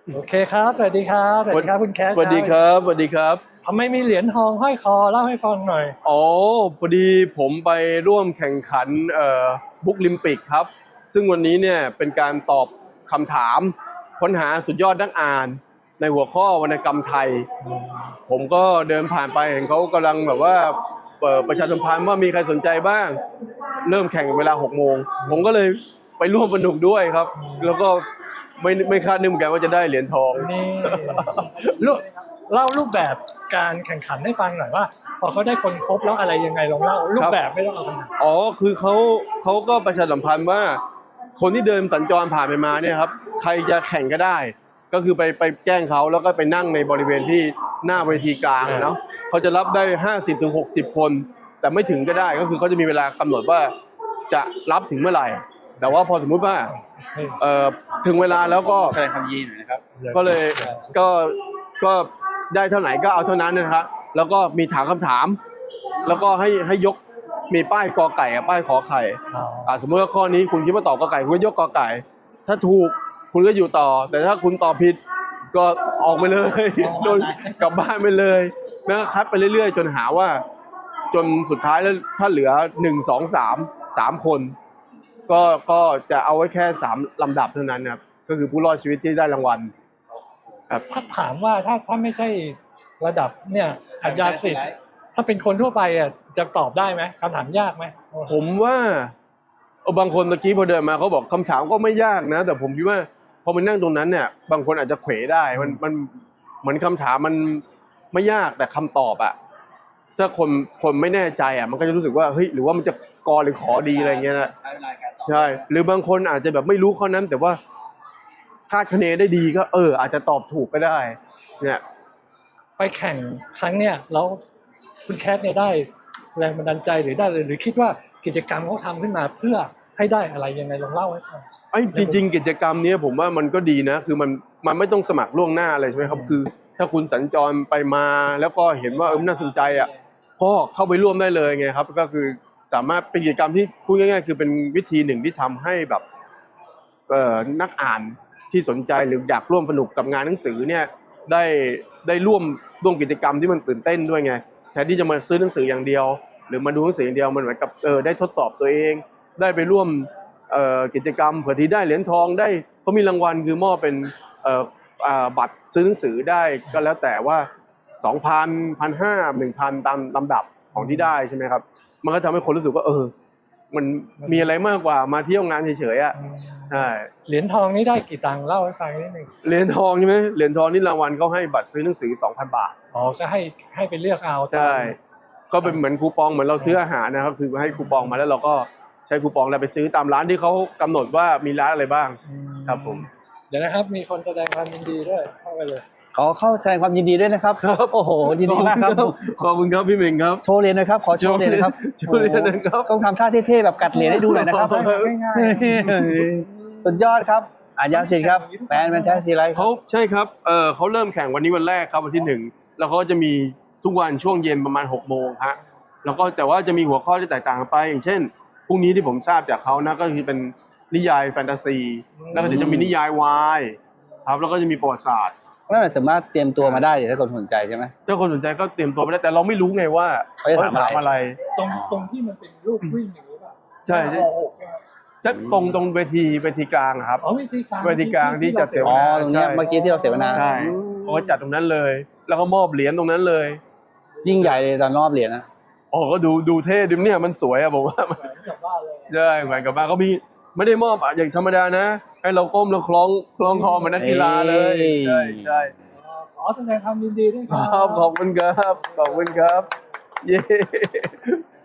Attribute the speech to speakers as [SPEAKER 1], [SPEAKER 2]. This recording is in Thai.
[SPEAKER 1] โอเคครับสวัสดีครับสวัสดีครับคุณแคท
[SPEAKER 2] สวัสดีครับสวัสดีครับ
[SPEAKER 1] ทำไมมีเหรียญทองห้อยคอเล่าให้ฟังหน่อย
[SPEAKER 2] อ๋อพอดีผมไปร่วมแข่งขันบุ๊กลิมปิกครับซึ่งวันนี้เนี่ยเป็นการตอบคำถามค้นหาสุดยอดนักอ่านในหัวข้อวรรณกรรมไทยผมก็เดินผ่านไปเห็นเขากำลังแบบว่าประชาสัมพันธ์ว่ามีใครสนใจบ้างเริ่มแข่งเวลา6 โมงผมก็เลยไปร่วมสนุกด้วยครับแล้วก็ไม่คาดนึกเหมือนกันว่าจะได้เหรียญทอง
[SPEAKER 1] นี่รูปเล่ารูปแบบการแข่งขันให้ฟังหน่อยว่าพอเขาได้คนครบแล้วอะไรยังไงลองเล่ารูปแบบไม่ต้องเอาขนาด
[SPEAKER 2] อ๋อคือเขาก็ประชาสัมพันธ์ว่าคนที่เดินสัญจรผ่านไปมาเนี่ยครับใครจะแข่งก็ได้ ก็คือไปแจ้งเขาแล้วก็ไปนั่งในบริเวณที่หน้าเวทีกลางเนาะเขาจะรับได้50 ถึง 60 คน แต่ไม่ถึงก็ได้ก็คือเขาจะมีเวลากำหนดว่าจะรับถึงเมื่อไหร่ แต่ว่าพอสมมุติว่าถึงเวลาแล้วก็
[SPEAKER 3] แสดงความยินดีหน่อยนะครับ
[SPEAKER 2] ก็เลยก็ได้เท่าไหร่ก็เอาเท่านั้นนะครับแล้วก็มีถามคำถาม แล้วก็ให้ยกมีป้ายกอไก่กับป้ายขอไข่สมมติว่าข้อนี้คุณคิดว่าตอบกอไก่คุณก็ยกกอไก่ ถ้าถูกคุณก็อยู่ต่อ แต่ถ้าคุณตอบผิดก็ออกไปเลยโดนกลับบ้านไปเลยนะคัดไปเรื่อยๆจนหาว่าจนสุดท้ายแล้วถ้าเหลือ1 2 3 คนก็จะเอาไว้แค่3 ลำดับเท่านั้นครับก็คือผู้รอดชีวิตที่ได้รางวัลครับ
[SPEAKER 1] ถ้าถามว่าถ้าไม่ใช่ระดับเนี่ยอัญญาสิทธิ์ถ้าเป็นคนทั่วไปอ่ะจะตอบได้ไหมคำถามยากไหม
[SPEAKER 2] ผมว่าบางคนตะกี้พอเดินมาเขาบอกคำถามก็ไม่ยากนะแต่ผมคิดว่าพอมันนั่งตรงนั้นเนี่ยบางคนอาจจะเขวได้มันเหมือนคำถามมันไม่ยากแต่คำตอบอะถ้าคนไม่แน่ใจอะมันก็จะรู้สึกว่าเฮ้ยหรือว่ามันจะกอหรือขอดีอะไรเงี้ยนะ
[SPEAKER 3] ใช้เวลาการตอบ
[SPEAKER 2] ใช่หรือบางคนอาจจะแบบไม่รู้ข้อนั้น แต่ว่าคาดคะเนได้ดีก็อาจจะตอบถูกก็ได้เนี่ย
[SPEAKER 1] ไปแข่งครั้งเนี่ยแล้วคุณแคทเนี่ยได้แรงบันดาลใจหรือได้เลยหรือคิดว่ากิจกรรมเขาทำขึ้นมาเพื่อให้ได้อะไรยังไงลองเล่าให้ฟัง
[SPEAKER 2] จริงๆกิจกรรมนี้ผมว่ามันก็ดีนะคือมันไม่ต้องสมัครล่วงหน้าอะไรใช่ไหมครับคือถ้าคุณสัญจรไปมาแล้วก็เห็นว่าน่าสนใจอ่ะก็เข้าไปร่วมได้เลยไงครับก็คือสามารถเป็นกิจกรรมที่พูดง่ายๆคือเป็นวิธีหนึ่งที่ทำให้แบบนักอ่านที่สนใจหรืออยากร่วมสนุกกับงานหนังสือเนี่ยได้ร่วมกิจกรรมที่มันตื่นเต้นด้วยไงแทนที่จะมาซื้อหนังสืออย่างเดียวหรือมาดูหนังสืออย่างเดียวมันเหมือนกับได้ทดสอบตัวเองได้ไปร่วมกิจกรรมเผื่อที่ได้เหรียญทองได้เขามีรางวัลคือมอบเป็นบัตรซื้อหนังสือได้ก็แล้วแต่ว่า 2,000 1,500 1,000ตามลำดับของที่ได้ใช่ไหมครับมันก็ทำให้คนรู้สึกว่ามันมีอะไรมากกว่ามาเที่ยวงานเฉยๆอ่ะใช่
[SPEAKER 1] เหรียญทองนี้ได้กี่ตังค์เล่าให้ฟังนิดนึง
[SPEAKER 2] เหรียญทองใช่ไหมเหรียญทองนี่รางวัลเขาให้บัตรซื้อหนังสือ 2,000 บาท
[SPEAKER 1] อ๋อก็ให้ไปเลือกเอา
[SPEAKER 2] ใช่ก็เป็นเหมือนคูปองเหมือนเราซื้ออาหารนะครับคือให้คูปองมาแล้วเราก็ใช้คูปองแล้วไปซื้อตามร้านที่เขากำหนดว่ามีร้านอะไรบ้างครับผม
[SPEAKER 1] เดี๋ยวนะครับมีคนแสดงความยินดีด้วยเข้าไปเลย
[SPEAKER 3] ขอเข้าแสดงความยินดีด้วยนะครับโอ้โหยินดีมากครับ
[SPEAKER 2] ขอบคุณครับพี่เม่งครับ
[SPEAKER 3] โชว์เหรียญนะครับขอโชว์เหรียญนะครับ
[SPEAKER 2] โชว์เหรียญนะครับ
[SPEAKER 3] ต้องทำท่าเท่ๆแบบกัดเหรียญให้ดูหน่อยนะครับ
[SPEAKER 1] ง่าย
[SPEAKER 3] สุดยอดครับอัญญาสิทธิ์ครับแฟนแท้ซีไร
[SPEAKER 2] เขาใช่ครับเขาเริ่มแข่งวันนี้วันแรกครับวันที่1แล้วเขาจะมีทุกวันช่วงเย็นประมาณ6 โมงฮะแล้วก็แต่ว่าจะมีหัวข้อที่แตกต่างกันไปอย่างเช่นพรุ่งนี้ที่ผมทราบจากเขานะก็คือเป็นนิยายแฟนตาซีแล้วก็เดี๋ยวจะมีนิยายวายครับแล้วก็จะมีประวัติศาสตร์
[SPEAKER 3] นั่นสามารถเตรียมตัวมาได้ถ้าคนสนใจใช่ไหม
[SPEAKER 2] ถ้าคนสนใจก็เตรียมตัวไปได้แต่เราไม่รู้ไงว่า
[SPEAKER 3] เขาจะถาม
[SPEAKER 2] อะไร
[SPEAKER 1] ตรงที่มันเป็นรูปวิ่งอย่างนี้ป่ะ
[SPEAKER 2] ใช่สักตรงเวทีกลางครับ
[SPEAKER 1] เวที
[SPEAKER 2] กลางที่จัดเสวนา
[SPEAKER 3] ตรงนี้เมื่อกี้ที่เราเสวนา
[SPEAKER 2] ใช่เขาจัดตรงนั้นเลยแล้วก็มอบเหรียญตรงนั้นเลย
[SPEAKER 3] ยิ่งใหญ่เลยตอนรอบเหรียญนะ
[SPEAKER 2] ก็ดูเท่ดิมเนี่ยมันสวยอะผมว่าใช่เหมือนกับบ้านเขามีไม่ได้มอบอย่างธรรมดานะให้เราก้มแล้วคล้องคอเหมือนนักกีฬาเลยใช่
[SPEAKER 1] ขอแสดงความยินดีด้วยครับ
[SPEAKER 2] ขอบคุณครับเย้